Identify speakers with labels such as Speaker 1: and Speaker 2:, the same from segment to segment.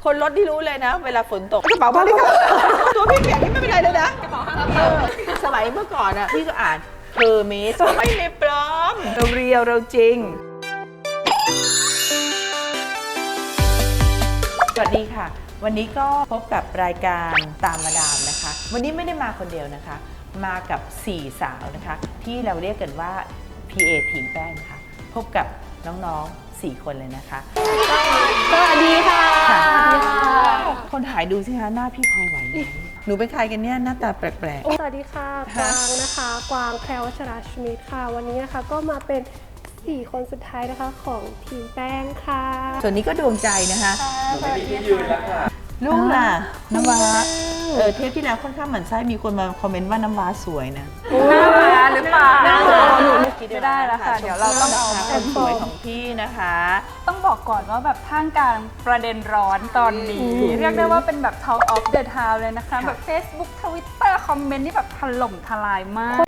Speaker 1: คนรถที่รู้เลยนะ เวลาฝนตกกระเป๋าผ้าเลยค่ะตัวพี่เปียกนี่ไม่เป็นไรเลยนะกระเป๋าผ้าสมัยเมื่อก่อนอ่ะพี่ก็อ่านเฮอร์เมสไม่ได้ปลอมเราเรียวเราจริงสวัสดีค่ะวันนี้ก็พบกับรายการตามมาดามนะคะวันนี้ไม่ได้มาคนเดียวนะคะมากับ4สาวนะคะที่เราเรียกกันว่า PA ทีมแป้งค่ะพบกับน้องๆ4คนเลยนะคะ
Speaker 2: สวัสดีค่ะ
Speaker 1: คนถ่ายดูสิคะหน้าพี่พอไหวไหมหนูเป็นใครกันเนี่ยหน้าตาแปลก
Speaker 2: สวัสดีค่ะกวางนะคะกวางแพรวชราชมิตค่ะวันนี้นะคะก็มาเป็น4คนสุดท้ายนะคะของทีมแป้งค่ะ
Speaker 1: ส่วนนี้ก็ดวงใจนะคะ
Speaker 3: ไม่มีที่ยืนแล้วค่ะ
Speaker 1: ลูกล่ะน้ำว้าเทปที่แล้วค่อนข้างหมั่นไส้มีคนมาคอมเมนต์ว่าน้ำว้าสวยนะ
Speaker 4: หน้าม้าหรือเปล่า
Speaker 1: ไม่ได้แล้วค่ะเดี๋ยวเราต้องเอาคนสวยของพี่นะคะ
Speaker 4: ต้องบอกก่อนว่าแบบท่ามกลางประเด็นร้อนตอนนี้เรียกได้ว่าเป็นแบบ Talk of the Town เลยนะคะแบบ Facebook Twitter คอมเมนต์นี่แบบถล่มทลายมาก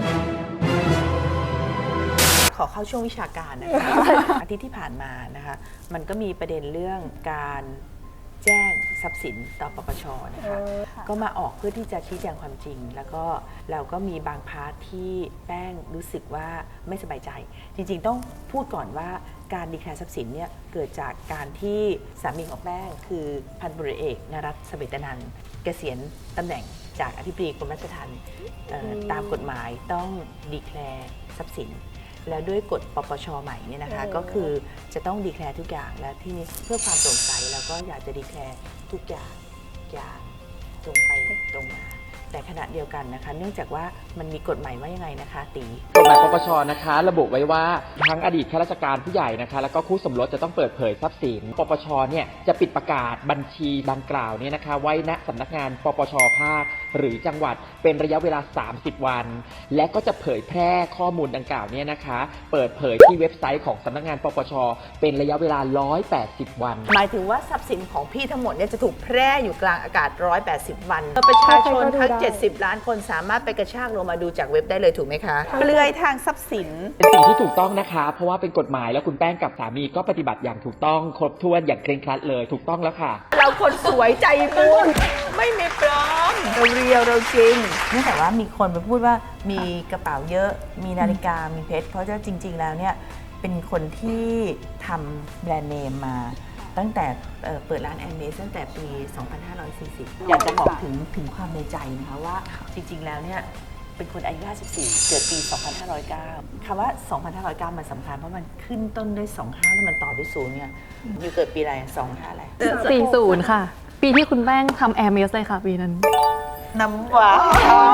Speaker 1: ขอเข้าช่วงวิชาการนะคะ อาทิตย์ที่ผ่านมานะคะมันก็มีประเด็นเรื่องการแจ้งทรัพย์สินต่อปปชนะคะก็มาออกเพื่อที่จะชี้แจงความจริงแล้วก็เราก็มีบางพาร์ทที่แป้งรู้สึกว่าไม่สบายใจจริงๆต้องพูดก่อนว่าการดีแคลร์ทรัพย์สินเนี่ยเกิดจากการที่สามีของแป้งคือพันตำรวจเอกนรัตน์ เสวตนันท์เกษียณตำแหน่งจากอธิบดีกรมราชทัณฑ์ตามกฎหมายต้องดีแคลร์ทรัพย์สินแล้วด้วยกฎปปชใหม่เนี่ยนะคะก็คือจะต้องดีแคลร์ทุกอย่างและที่นี้เพื่อความโปร่งใสแล้วก็อยากจะดีแคลร์ทุกอย่างตรงไปตรงมาแต่ขณะเดียวกันนะคะเนื่องจากว่ามันมีกฎหมายว่ายังไงนะคะตี
Speaker 3: กฎหมายปปชนะคะระบุไว้ว่าทั้งอดีตข้าราชการผู้ใหญ่นะคะแล้วก็คู่สมรสจะต้องเปิดเผยทรัพย์สินปปชเนี่ยจะปิดประกาศบัญชีดังกล่าวเนี่ยนะคะไว้ณสำนักงานปปชภาคหรือจังหวัดเป็นระยะเวลา30วันและก็จะเผยแพร่ข้อมูลดังกล่าวเนี่ยนะคะเปิดเผยที่เว็บไซต์ของสำนักงานปปชเป็นระยะเวลา180วัน
Speaker 1: หมายถึงว่าทรัพย์สินของพี่ทั้งหมดเนี่ยจะถูกแพร่อยู่กลางอากาศ180วันประชาชนทั้ง70ล้านคนสามารถไปกระชากลงมาดูจากเว็บได้เลยถูกไหมคะเปลือยทางทรัพย์สิน
Speaker 3: เป็นสิ่งที่ถูกต้องนะคะเพราะว่าเป็นกฎหมายแล้วคุณแป้งกับสามีก็ปฏิบัติอย่างถูกต้องครบถ้วนอย่างเคร่งครัดเลยถูกต้องแล้วค่ะ
Speaker 1: เราคนสวยใจบุญไม่มีปลอมเราเรียวเราจริงเนื่องจากว่ามีคนไปพูดว่ามีกระเป๋าเยอะมีนาฬิกามีเพชรเพราะว่าจริงๆแล้วเนี่ยเป็นคนที่ทำแบรนด์เนมมาตั้งแต่เปิดร้านแอร์เมสตั้งแต่ปี 2540 อยากจะบอกถึงความในใจนะคะว่าจริงๆแล้วเนี่ยเป็นคนอายุ 54 เกิดปี 2509 คำว่า 2509 มันสำคัญเพราะมันขึ้นต้นด้วย 25 แล้วมันต่อด้วย0เนี่ยอยู่เกิดปีอะไร 25 อะไร
Speaker 5: 40 ค่ะ ปีที่คุณแป้งทำแอร์เมสเลยค่ะปีนั้น
Speaker 1: น้ำหวาน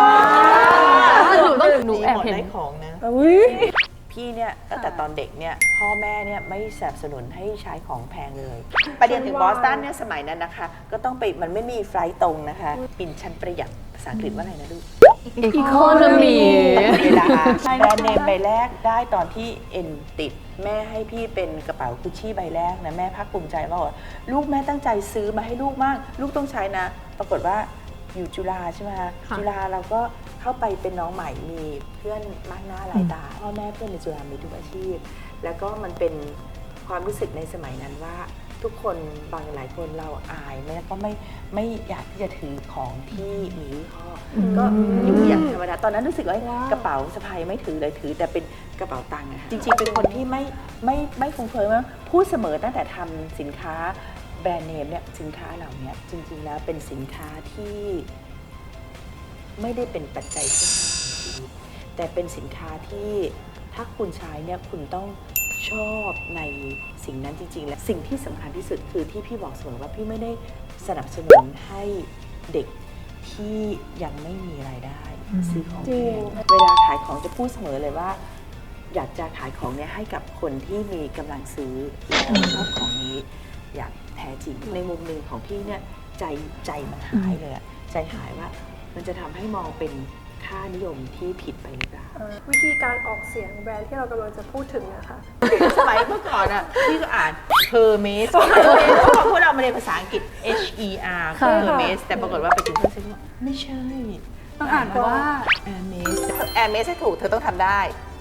Speaker 1: หนูแอบเห็นของนะพี่เนี่ยตั้งแต่ตอนเด็กเนี่ยพ่อแม่เนี่ยไม่สนับสนุนให้ใช้ของแพงเลยไปเรียนถึงบอสตันเนี่ยสมัยนั้นนะคะก็ต้องไปมันไม่มีไฟล์ตรงนะคะบินชั้นประหยัดภาษาอังกฤษว่าอะไรนะลูก
Speaker 5: Economy
Speaker 1: แบรนด์เนมใบแรกได้ตอนที่เอ็นติดแม่ให้พี่เป็นกระเป๋ากุชชี่ใบแรกนะแม่ภาคภูมิใจมากว่าลูกแม่ตั้งใจซื้อมาให้ลูกมากลูกต้องใช้นะปรากฏว่าอยู่จุฬาใช่ไหมคะจุฬาเราก็เข้าไปเป็นน้องใหม่มีเพื่อนมากหน้าหลายตาพ่อแม่เพื่อนในจุฬามีทุกอาชีพแล้วก็มันเป็นความรู้สึกในสมัยนั้นว่าทุกคนบางหลายคนเราอายแล้วก็ไม่อยากที่จะถือของที่มียี่ห้อก็อยู่อย่างธรรมดาตอนนั้นรู้สึกว่ากระเป๋าสะพายไม่ถือเลยถือแต่เป็นกระเป๋าตังค์อะค่ะจริงๆเป็นคนที่ไม่ฟุ้งเฟ้อมากพูดเสมอตั้งแต่ทำสินค้าแบรนด์เนมเนี่ยสินค้าเหล่านี้จริงๆแล้วเป็นสินค้าที่ไม่ได้เป็นปัจจัยที่ห้าของชีวิตแต่เป็นสินค้าที่ถ้าคุณใช้เนี่ยคุณต้องชอบในสิ่งนั้นจริงๆและสิ่งที่สำคัญที่สุดคือที่พี่บอกเสมอว่าพี่ไม่ได้สนับสนุนให้เด็กที่ยังไม่มีรายได้ซื้อของแพงเวลาขายของจะพูดเสมอเลยว่าอยากจะขายของเนี่ยให้กับคนที่มีกำลังซื้อและชอบของนี้อย่างแท้จริงในมุมหนึ่งของพี่เนี่ยใจมันหายเลยใจหายว่ามันจะทำให้มองเป็นค่านิยมที่ผิดไปหรือเปล่า
Speaker 2: วิธีการออกเสียงแบรนด์ที่เรากำลังจะพูดถึงนะคะ
Speaker 1: สมัยเมื่อก่อนอ่ะพี่ก็อ่าน Hermes พวกเรามาเรียนภาษาอังกฤษ HER Hermes แต่ปรากฏว่าไปถึงเพื่อนซื้อว่าไม่ใช่
Speaker 4: ต้องอ่านว่า
Speaker 1: Hermes ให้ถูกเธอต้องทำได้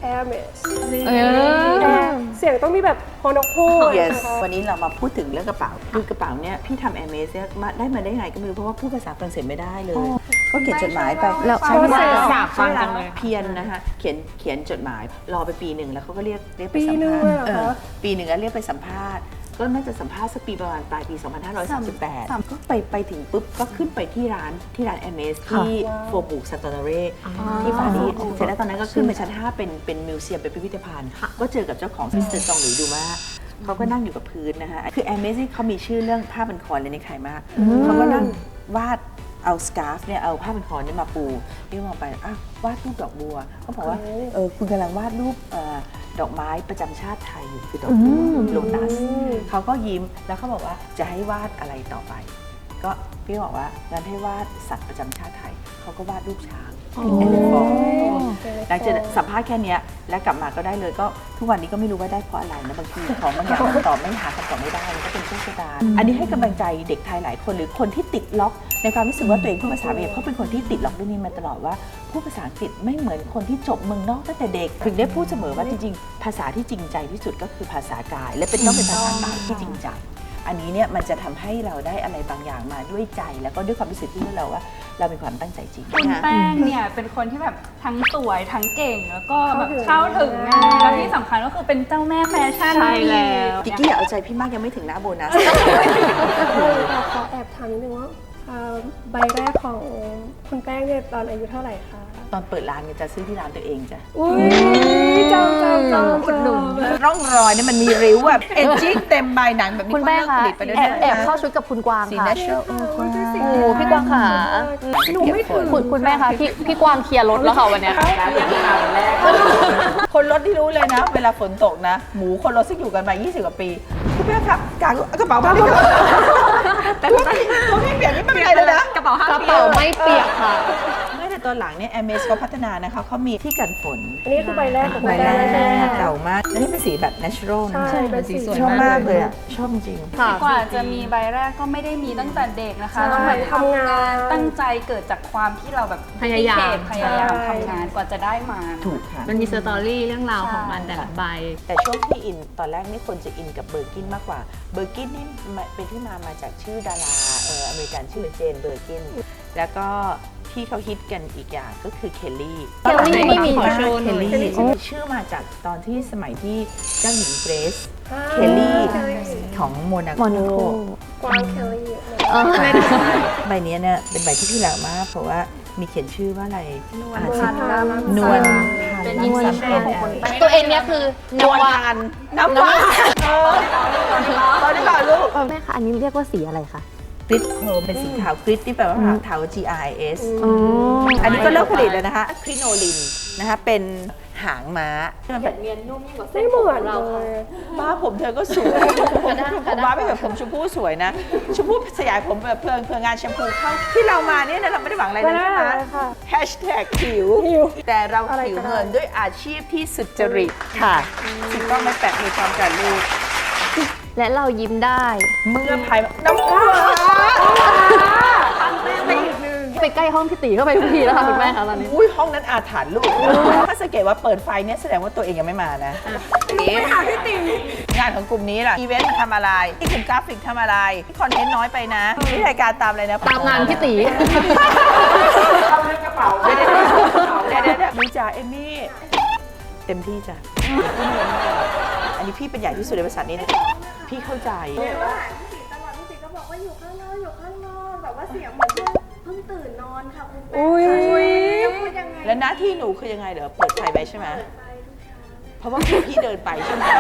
Speaker 2: Hermes
Speaker 5: เออ
Speaker 2: เสียงต้องมีแบบฮอนกพูด
Speaker 1: yes
Speaker 2: นะคะ
Speaker 1: วันนี้เรามาพูดถึงเรื่องกระเป๋าคือกระเป๋าเนี่ยพี่ทำ Hermes เนี่ยมาได้ไงก็ไม่รู้เพราะว่าพูดภาษาฝรั่งเศสไม่ได้เลย ก็เขียนจดหมายไป
Speaker 5: แล้ว
Speaker 1: ใช่ไหม
Speaker 2: อยากฟังจั
Speaker 5: งเลย
Speaker 1: เพียนนะคะเขียนจดหมายรอไปปีหนึ่งแล้วเขาก็เรียกไป
Speaker 2: ปี
Speaker 1: สัม
Speaker 2: หนึ่ง
Speaker 1: ภาษ
Speaker 2: เลย
Speaker 1: ณ์
Speaker 2: เหรอคะ
Speaker 1: ปีหนึ่งก็เรียกไปสัมภาษณ์ก็น่าจะสัมภาษณ์สักปีประมาณปลายปี 2538 ก็ไปถึงปุ๊บก็ขึ้นไปที่ร้าน Hermes ที่โฟบูกซาตอนเร่ที่ปารีสเสร็จแล้วตอนนั้นก็ขึ้นไปชั้น 5 เป็นมิวเซียมเป็นพิพิธภัณฑ์ก็เจอกับเจ้าของมิสเตอร์ซองหลุยดูมาเขาก็นั่งอยู่กับพื้นนะคะคือ Hermes นี่เขามีชื่อเรื่องผ้าพันคอเลยในใครมากเขาก็นั่งวาดเอาสการ์ฟเนี่ยเอาผ้าพันคอเนี่ยมาปูนี่มองไปอ้าววาดรูปดอกบัวเขาบอกว่าคุณกำลังวาดรูปดอกไม้ประจำชาติไทยอยู่คือดอกบัวโลตัสเขาก็ยิ้มแล้วเขาบอกว่าจะให้วาดอะไรต่อไป ก็พี่บอกว่างั้นให้วาดสัตว์ประจำชาติไทยเขาก็วาดรูปช้างเอเลฟอหลังจากสัมภาษณ์แค่เนี้ยแล้วกลับมาก็ได้เลยก็ทุกวันนี้ก็ไม่รู้ว่าได้เพราะอะไรนะบางทีของบางอย่างคำตอบไม่หาคำตอบไม่ได้มันก็เป็นโชคชะตาอันนี้ให้กำลังใจเด็กไทยหลายคนหรือคนที่ติดล็อกในความรู้สึกว่าตัวเองพูดภาษาอังกฤษเพราะเป็นคนที่ติดล็อกเรื่องนี้มาตลอดว่าพูดภาษาอังกฤษไม่เหมือนคนที่จบเมืองนอกตั้งแต่เด็กถึงได้พูดเสมอว่าจริงๆภาษาที่จริงใจที่สุดก็คือภาษากาย และต้องเป็นภาษากายที่จริงใจอันนี้เนี่ยมันจะทำให้เราได้อะไรบางอย่างมาด้วยใจแล้วก็ด้วยความรู้สึกที่เราว่าเรามีความตั้งใจจริง
Speaker 4: คุณแป้งเนี่ยเป็นคนที่แบบทั้งสวยทั้งเก่งแล้วก็แบบเข้าถึงง่ายแล้วที่สำคัญก็คือเป็นเจ้าแม่แฟชั่น
Speaker 5: ใช่แล้ว
Speaker 1: กิกกี้อย่าเอาใจพี่มากยังไม่ถึงหน้าโบนัส
Speaker 2: ขอแอบถามนิดนึงว่าใบแรกของคุณแป้งเนี่ยตอนอายุเท่าไหร่คะ
Speaker 1: ตอนเปิดร้านเนี่ยจะซื้อที่ร้านตัวเองจ้ะ
Speaker 2: อุ้ยจำอุดหนุน
Speaker 1: ร่องรอยเนี่ยมันมีริ้วแบบเอจจิ้งเต็มใบหนังแบบนี้
Speaker 5: คุณแป้ง
Speaker 1: เขา
Speaker 5: ค่ะ
Speaker 1: เลิกผลิตไปด้วย
Speaker 5: แอบเข้าชุดกับคุณกวาง
Speaker 1: สี
Speaker 5: ค่ะ
Speaker 1: natural
Speaker 5: โอ้พี่กวางค่ะ
Speaker 2: หนูไม่ถึง
Speaker 5: คุณแม่คะพี่กวางเคลียร์รถแล้วค่ะวันเนี้ย
Speaker 1: คนรถที่รู้เลยนะ เวลาฝนตกนะ หมูคนรถซึ่งอยู่กันมา 20 กว่าปีคุณแม่ครับกางกระเป๋ามาแต่ตัวพี่เปลี่ยนนี่ไม่เป็นไรเลยนะ
Speaker 5: กระเป๋าไม่เปียกค่ะ
Speaker 1: ไม่แต่ตอนหลังเนี่ย Hermes เขาพัฒนานะคะเขามีที่กันฝน
Speaker 2: อันนี้คือใบแรกของ
Speaker 1: ใบ
Speaker 2: คุณ
Speaker 1: แร
Speaker 2: แป้ง
Speaker 1: กเก่ามากแล้วนี่เป็นสีแบบ natural นะ
Speaker 2: ใช่เป็นสีสวย
Speaker 1: ชอบมากเลยอะชอบจริง
Speaker 5: ค่ะ
Speaker 4: กว่าจะมีใบแรกก็ไม่ได้มีตั้งแต่เด็กนะคะ
Speaker 2: ใช่
Speaker 4: ต้องแบบ
Speaker 2: ทำงาน
Speaker 4: ตั้งใจเกิดจากความที่เราแบบ
Speaker 5: พยายาม
Speaker 4: พยายามทำงานกว่าจะได้มา
Speaker 1: ถูกค่ะ
Speaker 6: มันมีสตอรี่เรื่องราวของมันแต่ละใบ
Speaker 1: แต่ช่วงที่อินตอนแรกนี่คนจะอินกับเบอร์กินมากกว่าเบอร์กินนี่เป็นที่มาจากชื่อดาราอเมริกันชื่อเจนเบอร์กินแล้วก็ที่เขาฮิตกันอีกอย่างก็คือเคลลี่
Speaker 5: เคลลี่นี่มี
Speaker 1: เคลลี่ชื่อมาจากตอนที่สมัยที่เจ้าหญิงเกรซเคลลี่ของโมนาโก
Speaker 2: กวางเคลลี่
Speaker 1: ใบนี้เนี่ยเป็นใบที่พี่รักมากเพราะว่ามีเขียนชื่อว่าอะไรอ่าน
Speaker 2: นวล
Speaker 1: ชื่อนวล
Speaker 4: เป็นอินสปิเรชั่นของคนแป้ง
Speaker 5: ตัวเองเนี่ยคือน
Speaker 1: วลพันน้ำว้าตอนนี้ก่อนลูก
Speaker 5: แม่คะอันนี้เรียกว่าสีอะไรคะ
Speaker 1: กริดโครมเป็นสีขาวกริดที่แปลว่าเทา GRIS อันนี้ก็เลิกผลิตแล้วนะคะคริโนลินนะคะเป็นหางม้าที่มันแบบ
Speaker 2: ไม่เหมือนเลย
Speaker 1: บ้าผมเธอก็สวยผมว่าไม่แบบผมชมพู่สวยนะชมพู่สยายผมแบบเพลิงงานแชมพูเข้าที่เรามาเนี่ยนะเราไม่ได้หวังอะไรเลยใช่ไหมแฮชแท็กผิวแต่เราผิวเงินด้วยอาชีพที่สุจริตค่ะถูกต้องไม่แปะมีความกันลูก
Speaker 5: และเรายิ้มได้
Speaker 1: เมื่อภายน้ำว้า
Speaker 5: ไปใกล้ห้องพี่ตีเข้าไปทุกทีแล้วค่ะคุณแม่คะตอนนี้
Speaker 1: อุ้ยห้องนั้นอาถรรพ์ลูกถ้าสังเกตว่าเปิดไฟเนี่ยแสดงว่าตัวเองยังไม่มานะงานของกลุ่มนี้ล่ะอีเวนต์ทำอะไรที่กลุ่มกราฟิกทำอะไรที่คอนเทนต์น้อยไปนะที่รายการตามอะไรนะ
Speaker 5: ตามงานพี่ตี
Speaker 1: เดี๋ยวดูจ่าเอมมี่เต็มที่จ้ะอันนี้พี่เป็นใหญ่ที่สุดในบริษัทนี้นะพี่เข้าใจ
Speaker 7: พี่ก็บอกว่าอยู่ข้างนอกแบบว่าเสียงเหมือนเพิ่งตื่นนอนค่ะคุณแป้
Speaker 2: อุ้ย
Speaker 7: พูดยังไง
Speaker 1: แล้วหน้าที่หนูคือยังไงเดี๋ยวเปิดไฟไว้ใช่ไหม
Speaker 7: ไปทุกเช้า
Speaker 1: เพราะว่าพี่เดินไปใช่ไหม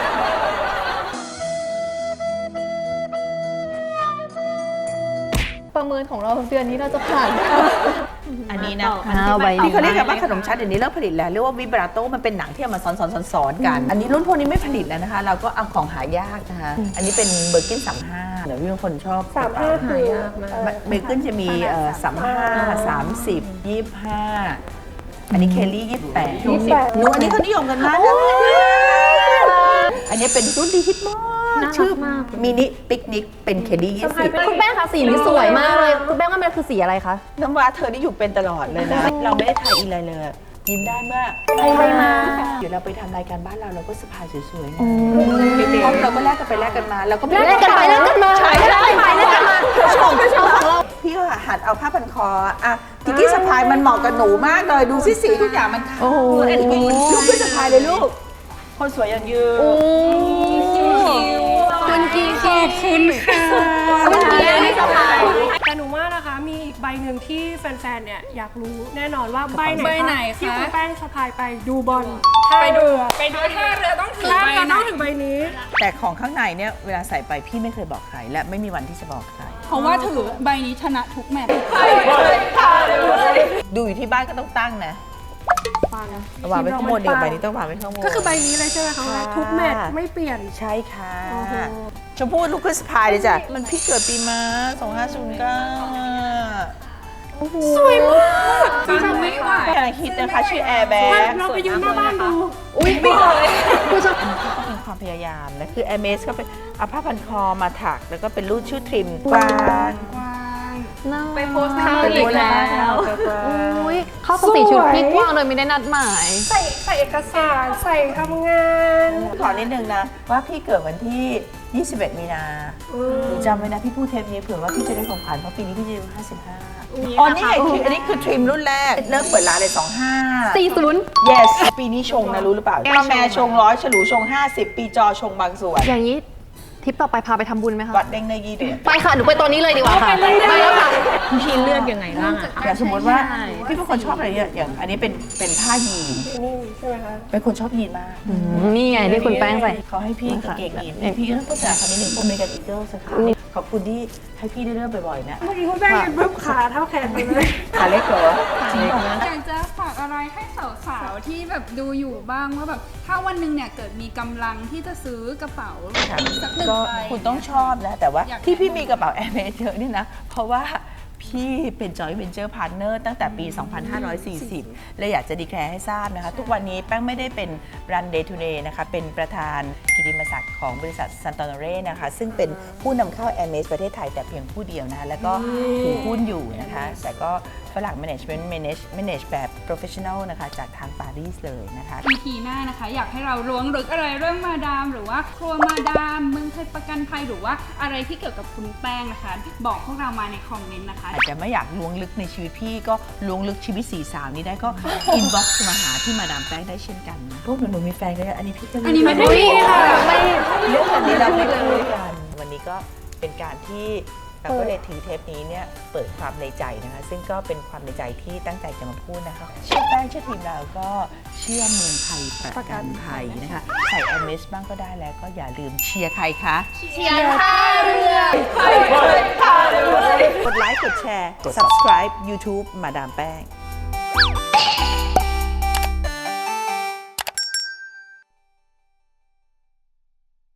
Speaker 5: ประเมินของเราเดือนนี้เราจะผ่าน
Speaker 1: อันนี้นะ
Speaker 5: ใบ
Speaker 1: ที่เขาเรียกกันว่าขนมชั้นเดี๋ยวนี้เลิกผลิตแล้วเรียกว่าวิบราโต้มันเป็นหนังที่เอามาซ้อนกัน อันนี้รุ่นพวกนี้ไม่ผลิตแล้วนะคะ เราก็เอาของหายากนะคะอันนี้เป็นเบอร์กิน35เดี๋ยวพี่บางคนชอบ
Speaker 2: 35คือ
Speaker 1: เบอร์กินจะมี35 30 25อันนี้เคลลี่28หนูอันนี้เขานิยมกันมากนะอันนี้เป็นรุ่นที่ฮิตมากชื่อมินิปิกนิกเป็นเคลลี่20
Speaker 5: คุณแป้งคะสีนี้สวยมากเลย คุณแป้งว่ามันคือสีอะไรคะ
Speaker 1: น้ำว้าเธอนี่อยู่เป็นตลอดเลยนะ เราไม่ได้ทายอินอะไรเลยยิ้มได้เมื่อ
Speaker 5: ให้มา
Speaker 1: เดี๋ยวเราไปทำรายการบ้านเราก็สะพายสวยๆไงห้องเราก็แลกกันไปแลกกันมาเราก็
Speaker 5: แลกกันไปแลกกันมา
Speaker 1: ใช่แลกกันไปแลกกันมาชมของเราพี่ก็หัดเอาผ้าพันคออ่ะกิกกี้สะพายมันเหมาะกับหนูมากเลยดูสิสีทุกอย่างมันเข้าลูกก็สะพายเลยลูกคนสวยอย่างยืน
Speaker 5: คุณกีขอบคุณค่ะ
Speaker 2: คุณกีไม่สบายแต่หนูว่านะคะมีอีกใบหนึ่งที่แฟนๆเนี่ยอยากรู้แน่นอนว่าใบไหนที่คุณแป้งสะพายไปดูบอลไปดูท่าเรือต้องถือใบต้องถึงใบนี้
Speaker 1: แต่ของข้างในเนี่ยเวลาใส่ไปพี่ไม่เคยบอกใครและไม่มีวันที่จะบอกใคร
Speaker 4: เพราะว่าถือใบนี้ชนะทุกแมตช์
Speaker 1: ดูอยู่ที่บ้านก็ต้องตั้งนะ
Speaker 2: ฟัง
Speaker 1: วางไว้ข้างบนเดี๋ยวใบนี้ต้องวางไว้ข้างบน
Speaker 2: ก็คือใบนี้เลยใช่ไหมคะทุกแมตช์ไม่เปลี่ยน
Speaker 1: ใช่ค่ะ
Speaker 2: โอ้โห
Speaker 1: ชมพู่ลูกคริสพายเลยจ้ะมันพี่เกิดปีม้า2509
Speaker 2: สวยมาก
Speaker 4: จริงไม่ไหว
Speaker 1: กำลังคิดนะคะชื่อแอร์แบ็ก
Speaker 2: เราไปยืนหน้าบ้านดู
Speaker 5: อุ้ยไม่เลย
Speaker 1: ก็เป็นความพยายามนะคือแอร์เมสก็เป็นเอาผ้าพันคอมาถักแล้วก็เป็นรูดชื่อทริมกวาง
Speaker 5: ไปโพสต์
Speaker 1: เข้าอีกแล้วกวาง
Speaker 5: อุ้ยเข้ากับสีชุดพี่กว้างโดยไม่ได้นัดหมาย
Speaker 2: ใส่เอกสารใส่ทำงาน
Speaker 1: ขอนิดนึงนะว่าพี่เกิดวันที่ 21 มีนาหนูจำไว้นะพี่พูดเทปนี้เผื่อว่าพี่จะได้ของขวัญเพราะปีนี้พี่จะอายุ55อ๋อนี่ไงคืออันนี้คือทริมรุ่นแรกเริ่มเปิดร้านเลย25
Speaker 5: 40
Speaker 1: yes ปีนี้ชงนะรู้หรือเปล่าป้าแม่ชง100ฉลูชง50 ปีจอชงบางส่วน
Speaker 5: อย่างนี้ทริปต่อไปพาไปทำบุญไหมคะ
Speaker 1: วัดเด้งเนยี่เดือน
Speaker 5: ไปค่ะ หนูไปตอนนี้เลยดีกว่าค่ะ ไปแล้วค่ะ
Speaker 6: พี่เลือกยังไงบ้างอะคะ
Speaker 1: อย่างสมมติว่าพี่เป็นคนชอบอะไรเนี่ยอย่างอันนี้เป็นผ้ายีน
Speaker 2: นี่ใช่ไหมคะ
Speaker 1: เป็นคนชอบยีนมาก
Speaker 5: นี่ไงที่คุณแป้งใส่
Speaker 1: เขาให้พี่กางเกงยีนพี่ก็ต้องพูดจาคำนี้หนึ่งอเมริกันอีเกิลสักครั้งขอบคุณที่ให้พี่ได้เริ่มบ่อยๆนะ
Speaker 2: เมื่อกี้คุณแป้งยืนปุ๊บขาเท่าแขนไปเลย
Speaker 1: ขาเล็กเหรอจริงเหรอ
Speaker 4: อยากจะฝากอะไรให้สาวๆที่แบบดูอยู่บ้างว่าแบบถ้าวันหนึ่งเนี่ยเกิดมีกำลังที่จะซื้อกระเป๋าสักหนึ่ง
Speaker 1: ก็
Speaker 4: ใบ
Speaker 1: คุณต้องชอบนะ แต่ว่า
Speaker 4: อยาก
Speaker 1: ที่พี่มีกระเป๋าแอร์เมสเยอะเนี่ยนะ เพราะว่าพี่เป็นจอยเวนเจอร์พาร์ทเนอร์ตั้งแต่ปี 2540 และอยากจะดีแคร์ให้ทราบนะคะ ทุกวันนี้แป้งไม่ได้เป็นรัน Day to Day นะคะ เป็นประธานกิตติมศักดิ์ของบริษัทซันตอนเร่นะคะ ซึ่งเป็นผู้นำเข้าแอร์เมสประเทศไทยแต่เพียงผู้เดียวนะคะ แล้วก็ถือหุ้นอยู่นะคะ แต่ก็ฝรั่ง manage แบบ professional นะคะ จากทางปารีสเลยนะคะ
Speaker 4: EP หน้านะคะ อยากให้เราล้วงลึกอะไรเรื่องมาดาม หรือว่าครัวมาดามเมืองไทยประกันภัยหรือว่าอะไรที่เกี่ยวกับคุณแป้งนะคะ บอกพวกเรามาในคอมเมนต์นะคะ
Speaker 1: อาจจะไม่อยากล้วงลึกในชีวิตพี่ก็ล้วงลึกชีวิตสี่สาวนี้ได้ก็ อินบ็อกซ์มาหาที่มาดามแป้งได้เช่นกันนะพวกหนูมีแฟนกันอันนี้พี่ก็
Speaker 4: อันนี้ไม่ได้มีค่ะ
Speaker 1: เรื่องแบบนี้เราไม่คุยกัน วันนี้ก็เป็นการที่เราก็เลยถือเทปนี้เนี่ยเปิดความในใจนะคะ ซึ่งก็เป็นความในใจที่ตั้งใจจะมาพูดนะคะเชื่อแป้งเชื่อทีมเราก็เชื่อเมืองไทยประกันภัยนะคะใส่แอมเมสบ้างก็ได้แล้วก็อย่าลืมเชียร์ใครคะ
Speaker 5: เชียร์ท่าเรือ
Speaker 1: กดไลค์ กดแชร์ กด subscribe YouTube มาดามแป้ง